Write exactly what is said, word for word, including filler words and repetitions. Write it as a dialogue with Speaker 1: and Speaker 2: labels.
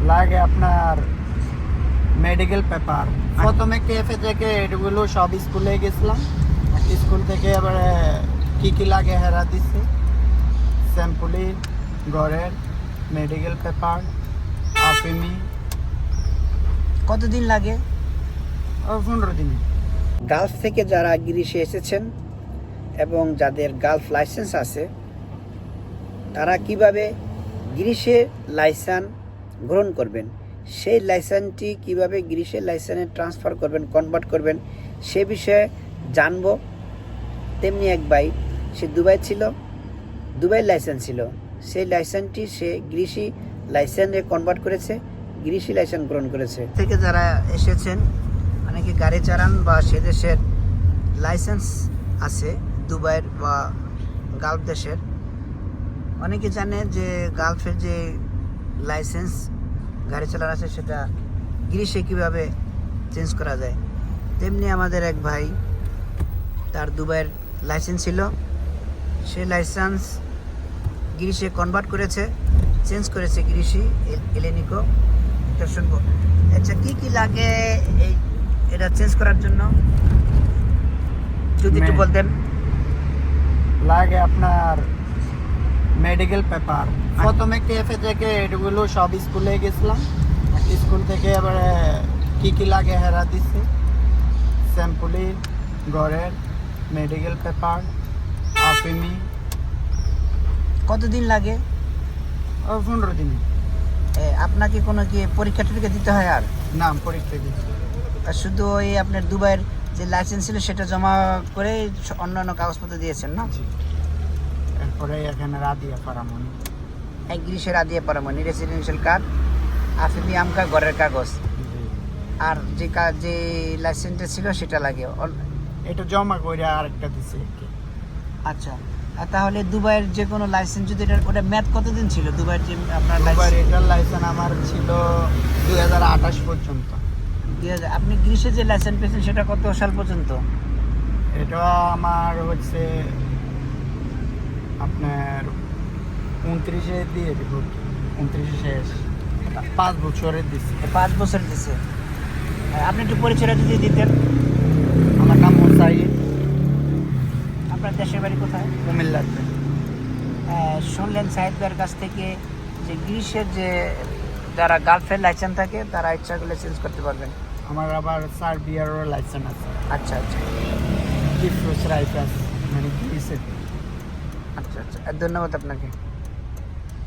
Speaker 1: লাগে আপনার medical paper. প্রথমে কেএফএ থেকে এগুলো সব স্কুলে গেছিলাম, স্কুল থেকে এবারে কি কি লাগে হেরা দিচ্ছে, স্যাম্পুলি, ঘরের মেডিকেল পেপার, আফিমি।
Speaker 2: কতদিন লাগে?
Speaker 1: ও পনেরো দিন।
Speaker 2: গালফ থেকে যারা গ্রিসে এসেছেন এবং যাদের গালফ লাইসেন্স আছে, তারা কিভাবে গ্রিসের লাইসেন্স গ্রহণ করবেন, সেই লাইসেন্সটি কিভাবে গ্রিসের লাইসেন্সে ট্রান্সফার করবেন, কনভার্ট করবেন, সে বিষয়ে জানবো। তেমনি এক ভাই, সে দুবাই ছিল, দুবাই লাইসেন্স ছিল, সেই লাইসেন্সটি সে গ্রিসি লাইসেন্সে কনভার্ট করেছে, গ্রিসি লাইসেন্স গ্রহণ করেছে। থেকে যারা এসেছেন, অনেকে গাড়ি চালান বা সে দেশের লাইসেন্স আছে, দুবাইয়ের বা গালফ দেশের, অনেকে জানে যে গালফের যে লাইসেন্স গাড়ি চালানো আছে সেটা গ্রিসে কীভাবে চেঞ্জ করা যায়। তেমনি আমাদের এক ভাই, তার দুবাইয়ের লাইসেন্স ছিল, সে লাইসেন্স গ্রিসে কনভার্ট করেছে, চেঞ্জ করেছে গ্রিসি এলেনিকো। এটা শুনবো। আচ্ছা, কী কী লাগে এই এটা চেঞ্জ করার জন্য যদি একটু বলতেন।
Speaker 1: লাগে আপনার মেডিকেল পেপার। প্রথমে কেএফএ থেকে এগুলো সব স্কুলে গেছিলাম, স্কুল থেকে এবারে কি কি লাগে হেরা দিচ্ছে, স্যাম্পুলি, ঘরের মেডিকেল পেপার, আফিমি।
Speaker 2: কতদিন লাগে?
Speaker 1: ও পনেরো দিন।
Speaker 2: এ, আপনাকে কোনো কি পরীক্ষা টরীক্ষা দিতে হয়? আর
Speaker 1: নাম পরীক্ষা দিচ্ছি।
Speaker 2: আর শুধু ওই আপনার দুবাইয়ের যে লাইসেন্স ছিল সেটা জমা করে অন্যান্য কাগজপত্র দিয়েছেন না?
Speaker 1: জি। এরপরে এখানে রাদিয়া পারামনি,
Speaker 2: এক গ্রিসের আদিয়া পারামনি, রেসিডেন্সিয়াল কার্ড, আফিমি আমকা, ঘরের কাগজ, আর যে কাজ যে লাইসেন্সটা ছিল সেটা লাগে।
Speaker 1: এটা জমা করে আরেকটা দিচ্ছে।
Speaker 2: আচ্ছা, আর তাহলে দুবাইয়ের যে কোনো লাইসেন্স যদি এটা, ওটা ম্যাথ কতদিন ছিল দুবাইয়ের যে আপনার
Speaker 1: দুবাইয়ের
Speaker 2: লাইসেন্স?
Speaker 1: এটার লাইসেন্স আমার ছিল দুই হাজার আঠাশ পর্যন্ত।
Speaker 2: দুই হাজার আপনি গ্রিসে যে লাইসেন্স পেয়েছেন সেটা কত সাল পর্যন্ত?
Speaker 1: এটা আমার হচ্ছে আপনার উনত্রিশে দিয়ে দিব, উনত্রিশে শেষ, পাঁচ বছরের দিচ্ছে।
Speaker 2: পাঁচ বছর দিছে। আপনি একটু পরিচয়টা যদি দিতেন।
Speaker 1: আমার নাম মোসাইদ,
Speaker 2: আপনার দেশের বাড়ি কোথায়?
Speaker 1: কুমিল্লাতে।
Speaker 2: শুনলেন সাহিদ ভাইয়ের কাছ থেকে যে গ্রিসের যে যারা গালফের লাইসেন্স থাকে তারা ইচ্ছা করলে চেঞ্জ করতে পারবেন।
Speaker 1: আমার আবার সার্বিয়ারও লাইসেন্স আছে।
Speaker 2: আচ্ছা আচ্ছা
Speaker 1: কিফরোস রাইফাস মানে গ্রিসের।
Speaker 2: আচ্ছা আচ্ছা, ধন্যবাদ আপনাকে।